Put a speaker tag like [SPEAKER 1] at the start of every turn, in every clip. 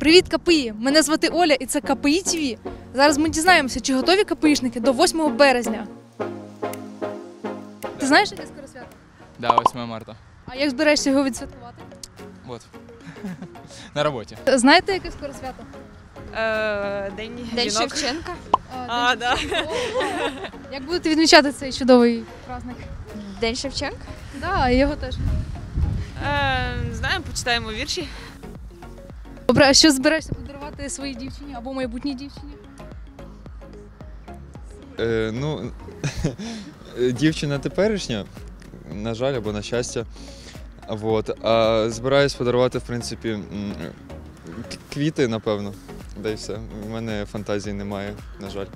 [SPEAKER 1] Привіт, КПІ! Мене звати Оля і це КПІ ТВ. Зараз ми дізнаємося, чи готові КПІшники до 8 березня. Ти знаєш, яке скоро свято?
[SPEAKER 2] Да, 8 марта.
[SPEAKER 1] А як збираєшся його відсвяткувати?
[SPEAKER 2] Вот. На роботі.
[SPEAKER 1] Знаєте, яке скоро свято?
[SPEAKER 3] День Шевченка.
[SPEAKER 1] Да. Як будете відмічати цей чудовий праздник?
[SPEAKER 3] День Шевченка?
[SPEAKER 1] Да, його теж.
[SPEAKER 3] Знаємо, почитаємо вірші.
[SPEAKER 1] Добре, а що збираєшся подарувати своїй дівчині або майбутній дівчині?
[SPEAKER 4] Дівчина теперішня, на жаль, або на щастя. Вот. А збираюсь подарувати, в принципі, квіти, напевно. Да і все. У мене фантазії немає, на жаль.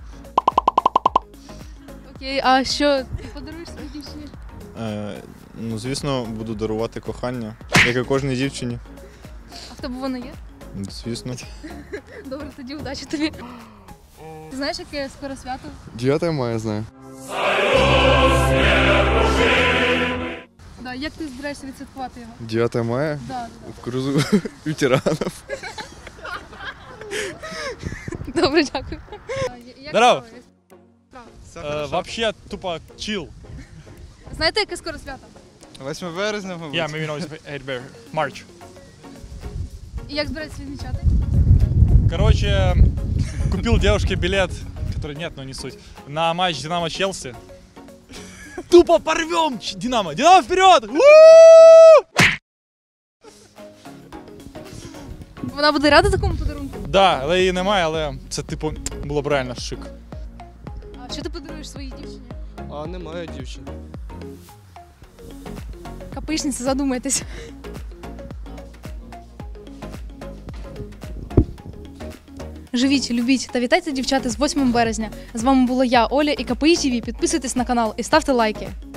[SPEAKER 1] Окей, а що ти подаруєш своїй дівчині?
[SPEAKER 5] Звісно, буду дарувати кохання, як і кожній дівчині.
[SPEAKER 1] А в тебе воно є?
[SPEAKER 5] Звісно.
[SPEAKER 1] Добре, тоді удачі тобі. Ти знаєш, яке скоро свято?
[SPEAKER 6] 9 мая знаю.
[SPEAKER 1] Да, як ти збираєшся відсвяткувати його?
[SPEAKER 6] 9 мая?
[SPEAKER 1] Да.
[SPEAKER 6] В крузу ветеранов.
[SPEAKER 1] Добре, дякую.
[SPEAKER 7] Здорово. Вообще тупо чил.
[SPEAKER 1] Знаєте, яке скоро свято?
[SPEAKER 6] 8 березня, мабуть.
[SPEAKER 7] Yeah, maybe not March.
[SPEAKER 1] І як збираєшся відмічати?
[SPEAKER 7] Короче, купил девушке билет, который нет, но не суть, на матч Динамо-Челси. Тупо порвем Динамо! Динамо вперед!
[SPEAKER 1] Вона буде рада такому подарунку?
[SPEAKER 7] Да, але її немає, але це типу було б реально шик.
[SPEAKER 1] А що ти подаруєш своїй дівчині?
[SPEAKER 6] А немає дівчини.
[SPEAKER 1] КПІшниці, задумайтесь. Живіть, любіть та вітайте дівчата з 8 березня. З вами була я, Оля і КПІ ТВ. Підписуйтесь на канал і ставте лайки.